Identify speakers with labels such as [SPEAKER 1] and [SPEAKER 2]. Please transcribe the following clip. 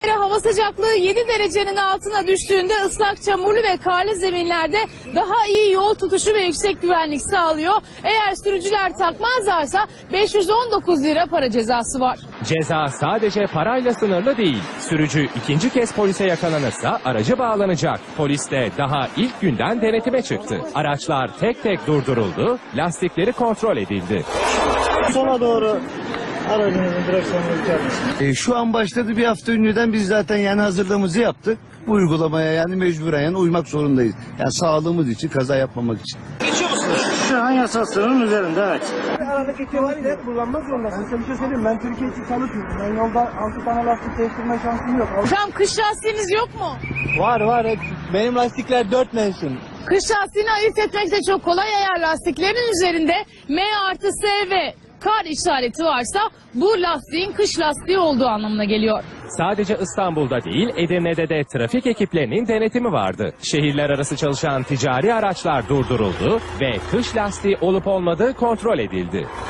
[SPEAKER 1] Hava sıcaklığı 7 derecenin altına düştüğünde ıslak, çamurlu ve karlı zeminlerde daha iyi yol tutuşu ve yüksek güvenlik sağlıyor. Eğer sürücüler takmazlarsa 519 lira para cezası var.
[SPEAKER 2] Ceza sadece parayla sınırlı değil. Sürücü ikinci kez polise yakalanırsa aracı bağlanacak. Polis de daha ilk günden denetime çıktı. Araçlar tek tek durduruldu, lastikleri kontrol edildi.
[SPEAKER 3] Sola doğru aracınızın direksiyonunu yükseltin.
[SPEAKER 4] Şu an başladı, bir hafta önceden biz zaten yani hazırlığımızı yaptık. Bu uygulamaya yani mecburen uymak zorundayız. Yani sağlığımız için, kaza yapmamak için.
[SPEAKER 3] Geçiyor musunuz? Şu an yasal sınırın üzerinde, evet. Aradaki kilometre kullanmak zorundasın. Size bir şey söyleyeyim, ben Türkiye için çalışmıyorum. Ben yolda 6 tane lastik değiştirme şansım yok.
[SPEAKER 1] Hocam kış lastiğiniz yok mu?
[SPEAKER 3] Var. Benim lastikler 4 mevsim.
[SPEAKER 1] Kış lastiğini ayırt etmek de çok kolay. Eğer lastiklerin üzerinde M+S ve kar işareti varsa bu lastiğin kış lastiği olduğu anlamına geliyor.
[SPEAKER 2] Sadece İstanbul'da değil, Edirne'de de trafik ekiplerinin denetimi vardı. Şehirler arası çalışan ticari araçlar durduruldu ve kış lastiği olup olmadığı kontrol edildi.